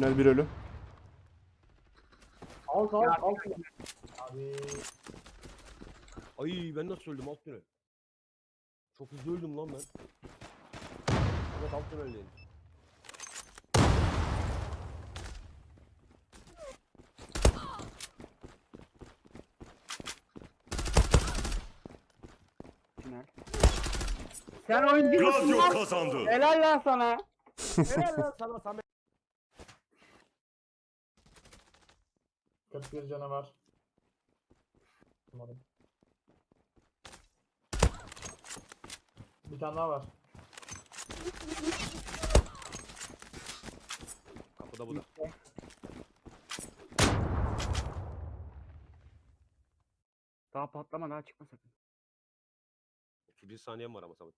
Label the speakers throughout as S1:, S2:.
S1: Tünel bir ölü.
S2: Alt. Abi.
S3: Ay ben nasıl öldüm alt tünel? Çok hızlı öldüm lan ben. Evet alt tüneldeyim.
S4: Tünel. Sen oyuncu musun
S5: Gladio
S4: lan?
S5: kazandı.
S4: Helal lan sana.
S3: Helal lan sana Samet.
S2: 41 canavar. Umarım. Bir tane daha var.
S3: Kapıda bu da.
S4: Daha patlama, daha çıkma sakın.
S3: 31 saniyem var ama Samet.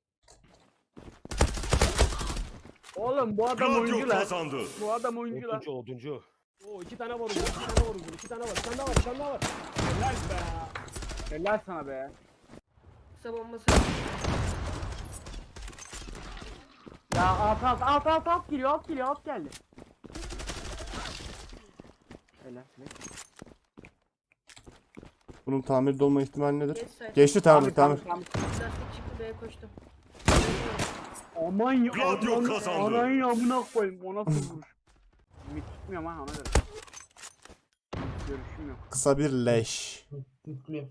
S4: Oğlum bu adam
S5: Gladio
S4: oyuncu lan.
S5: kazandı.
S4: Bu adam oyuncu lan.
S3: Oduncu. Oo 2 tane var uzun, 2 tane var uzun, 2 tane var, 1 tane daha var, 1 tane daha var. Helal be.
S4: Helal sana be.
S6: Kısa bombası.
S4: Ya alt geliyor, alt geldi. Helal.
S1: Bunun tamirde olma ihtimali nedir?
S6: Geç sayı.
S1: Geçti tamir.
S4: Tamam.
S6: Lastik çıktı B'ye koştum.
S4: Aman ya.
S5: Gladio kazandı.
S4: Aman ya, amına koyayım. O nasıl vuruş? Ümit tutmuyorum ha, ona göre. Görüşüm yok.
S1: Kısa bir leş.
S2: Sisli.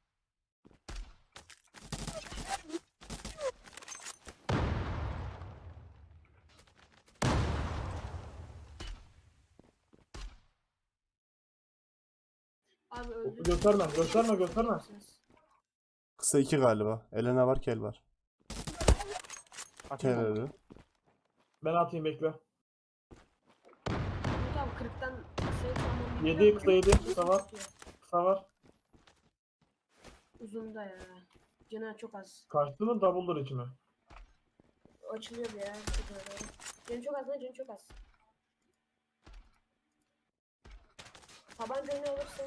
S6: Abi öldü.
S2: Gösterme.
S1: Kısa 2 galiba. Elena var, kel var. Kel
S4: Atayım mı?
S1: ölü.
S2: Ben atayım bekle.
S6: Umut abi 40'tan kısayı tamam.
S2: 7 kısa 7 kısa var. Kısa var.
S6: Uzun da ya. Canı çok az.
S2: Kaçtı mı double'dır içime.
S6: Açılıyor bir ya. Çok öyle. Canı çok az lan, canı çok az. Tabancayı alırsın.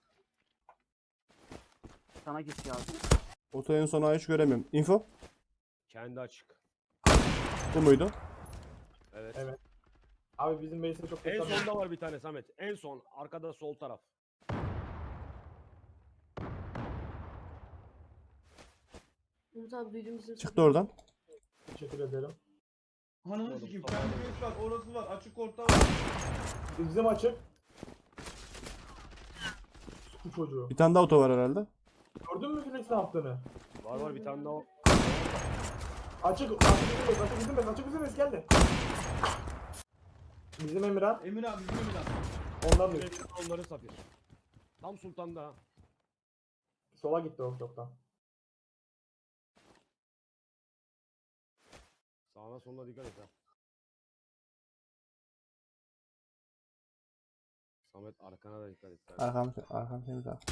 S4: Sana git ya.
S1: Oto en sona hiç göremiyorum. Info?
S3: Kendi açık.
S1: Bu muydu?
S3: Evet.
S2: Evet. Abi bizim base'de çok
S3: En
S2: kötü.
S3: sonda var bir tane Samet. En son arkada sol taraf.
S6: Umut abi büyüdüğümüzün
S1: Çıktı oradan.
S2: Teşekkür ederim.
S7: Ananı sikeyim, kendi base var, orası var, açık orta var.
S2: Bizim açık. Bu çocuğu.
S1: Bir tane daha oto var herhalde.
S2: Gördün mü Felix ne yaptığını?
S3: Var bir tane daha.
S2: Açık bizim base geldi. Bizim Emirhan.
S7: Emir abi, bizim Emir abi.
S2: Ondan da
S3: Onları Safir. Tam sultanda ha.
S2: sola gitti o çoktan.
S3: Sağına soluna dikkat et ha. Samet arkana da dikkat et.
S1: Arkam temiz abi.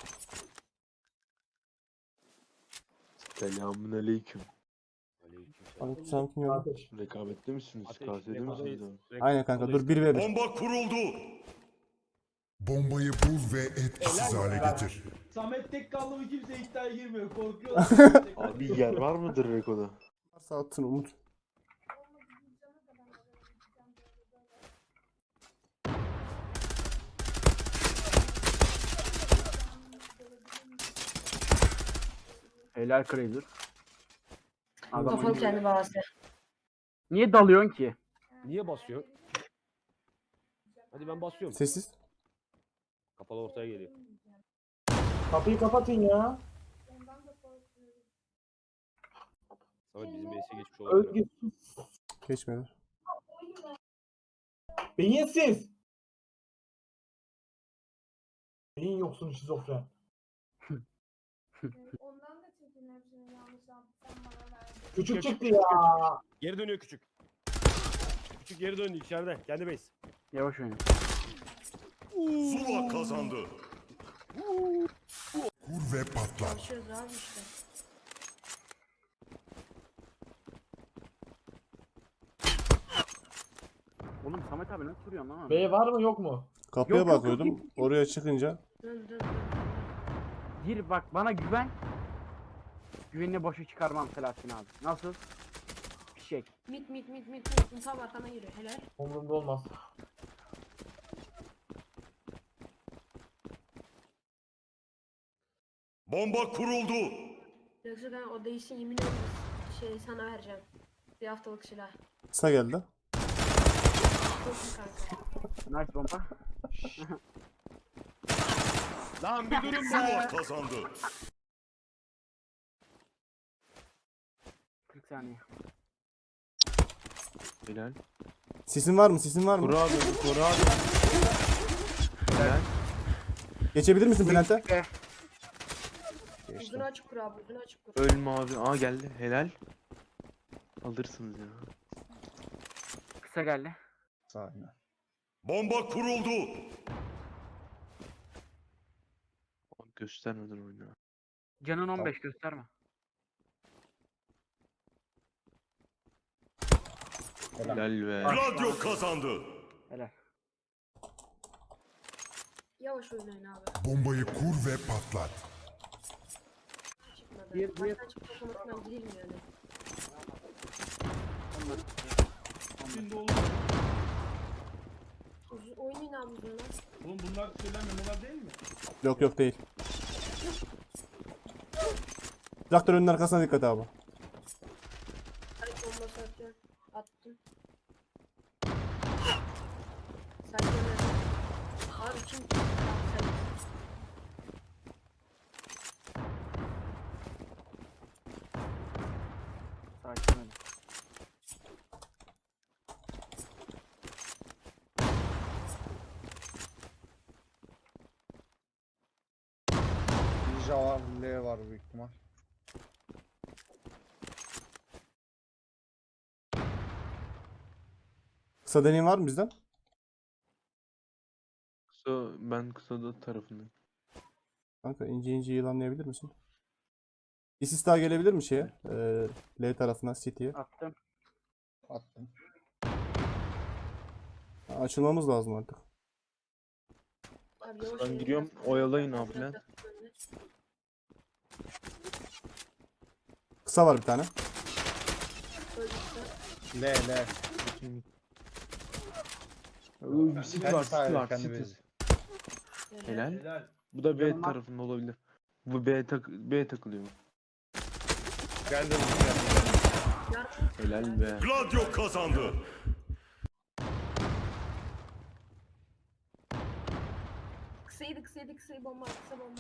S8: Selamünaleyküm.
S3: Aleykümselam.
S1: Aleykümselam, kim yok?
S2: Ateş.
S8: Rekabetli misiniz?
S3: Ateş,
S8: KS'de misiniz abi?
S1: Aynen kanka, dur 1 ve 1.
S5: Bomba kuruldu.
S9: Bombayı bul ve etkisiz hale getir.
S7: Samet tek kaldı mı kimse iddiaya girmiyor, korkuyorlar.
S8: Abi yer var mıdır Reko'da?
S1: Varsa atsın Umut.
S4: Helal Crazer. Adam
S6: Kafanı
S4: oyuncu.
S6: kendi bağısı.
S4: Niye dalıyorsun ki?
S3: Niye basıyor? Hadi ben basıyorum.
S1: Sessiz.
S3: Kapalı ortaya geliyor.
S2: Kapıyı kapatın ya.
S3: Samet bizim base'e geçmiş olabilir.
S2: Özgür.
S1: Geçmedi.
S2: Beyinsiz. Beyin yoksun şizofren.
S10: Ondan da çekin hepsini yanlış yaptım bana verdin.
S2: Küçük çıktı ya.
S3: Geri dönüyor küçük. Küçük geri döndü içeride. Kendi base.
S4: Yavaş oyna.
S5: Zula kazandı.
S9: Kur ve patlat.
S6: Çalışıyoruz abi işte.
S4: Oğlum Samet abi nasıl vuruyorsun lan?
S2: B var mı yok mu?
S1: Kapıya
S4: Yok, yok,
S1: bakıyordum.
S4: yok, yok.
S1: Oraya çıkınca
S6: Dön.
S4: Gir bak, bana güven. Güvenini boşa çıkarmam Selahattin abi. Nasıl? Fişek.
S6: Mit. Tam arkana giriyor. Helal.
S2: Umurumda olmaz.
S5: Bomba kuruldu.
S6: Yoksa ben o değişsin yemin ederim sana vereceğim. Bir haftalık silah.
S1: Kısa geldi.
S6: Çok iyi kanka.
S4: Nice bomba.
S3: Lan bir durun be.
S5: Zula kazandı.
S4: 40 saniye.
S8: Helal.
S1: Sisin var mı? Sisin var mı?
S8: Koru abi. Koru abi. Helal.
S1: Geçebilir misin Plant'e?
S6: Uzun açık kur abi, uzun açık kur.
S8: Ölme abi. Aa geldi. Helal. Alırsınız ya.
S4: Kısa geldi.
S5: Bomba kuruldu.
S8: Abi göstermeden oyna.
S4: Canın 15 gösterme.
S8: Helal be.
S5: Gladio kazandı.
S4: Helal.
S6: Yavaş oynayın abi.
S9: Bombayı kur ve patlat.
S6: Çıkmadı.
S4: Bir-
S6: Baştan çıkıp otomatikman girilmiyor yani.
S7: Şimdi oğlum.
S6: Oynayın abi uzun lan.
S7: Oğlum bunlar şeyler memolar değil mi?
S1: Yok yok değil. Traktörün arkasına dikkat abi.
S6: Hadi bombası atıyorum. Attım. Sakin ol. Abi kim? Sen.
S4: Sakin ol.
S11: Ninja var, L var büyük ihtimal.
S1: Kısa deneyim var mı bizden?
S8: Kısa, ben kısada tarafındayım.
S1: Kanka ince ince yılanlayabilir misin? İsis daha gelebilir mi şeye? L tarafına, City'ye.
S4: Attım.
S11: Attım.
S1: Açılmamız lazım artık.
S6: Abi yavaş
S8: Ben
S6: oynayın.
S8: giriyorum. Oyalayın abi lan.
S1: Kısa var bir tane.
S11: L.
S8: City var, City var,
S11: kendi
S8: City.
S11: bezi.
S8: Helal.
S7: Helal.
S8: Bu da B
S4: Yanıma-
S8: tarafında olabilir. Bu B takılıyor.
S11: Geldi.
S8: Helal be.
S5: Gladio kazandı.
S6: Kısaydı bomba, kısa bomba.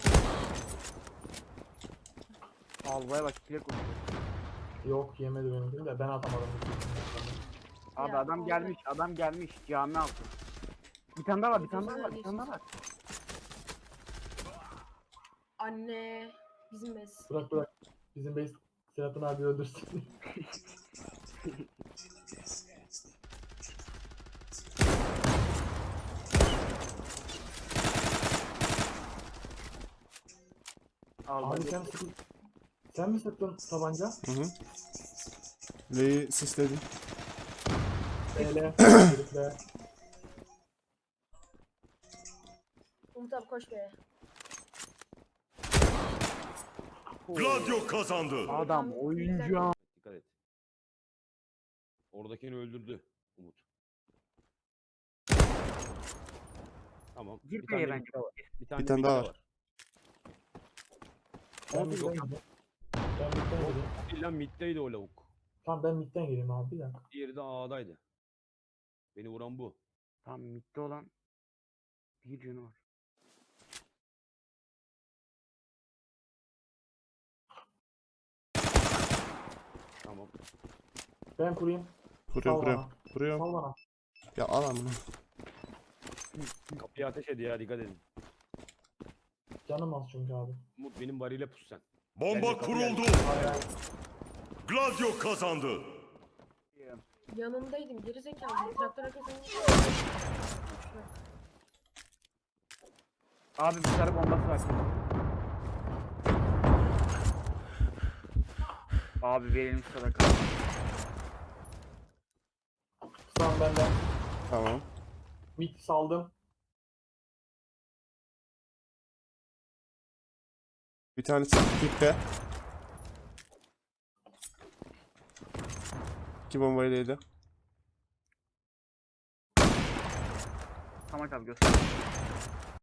S4: Albaya bak kile koşuyor.
S2: Yok yemedi benimkini de ben atamadım.
S4: Abi
S6: Ya,
S4: adam
S6: Allah.
S4: gelmiş cami altı. Bir tane daha var, bir tane daha var, bir tane daha var.
S6: Anne. Bizim bez.
S2: Bırak. Bizim base Serhat'ın abi öldürsün.
S4: Albay
S2: Abi sen mi sıktın tabanca?
S1: Hı hı. L'yi sisledim.
S2: Herifle.
S6: Umut abi koş be.
S5: Gladio kazandı.
S4: adam oyuncu.
S3: Dikkat et. Oradakini öldürdü Umut. Tamam.
S4: Gir
S3: Bir tane
S4: B'ye bence.
S3: midde var. Bir
S1: Bir tane
S3: midde
S1: daha var.
S2: Ben midden gireyim. Ben midden gireyim.
S3: İlla middeydi o lavuk.
S2: Tamam ben midden gireyim abi bir dakika.
S3: Diğeri de A'daydı. Beni vuran bu.
S4: Tam midde olan bir canı var.
S3: Tamam.
S2: Ben kurayım.
S1: Kuruyorum
S2: Sal
S1: kuruyorum.
S2: bana.
S1: Kuruyorum.
S2: Sal bana.
S1: Ya al lan bunu.
S3: Kapıya ateş ediyor ya, dikkat edin.
S2: Canım az çünkü abi.
S3: Umut benim bariyle pus sen.
S5: Bomba
S3: Geldi, kapı
S5: kuruldu. Gladio kazandı.
S6: Yanındaydım gerizekalı. Traktör arkasını.
S4: Abi bir tane bombası var. Abi verilmiş sadaka.
S2: Sağım benden.
S1: Tamam.
S2: Mid saldım.
S1: Bir tanesi tipte. 2 bombayı da yedi.
S4: Tamam abi göster.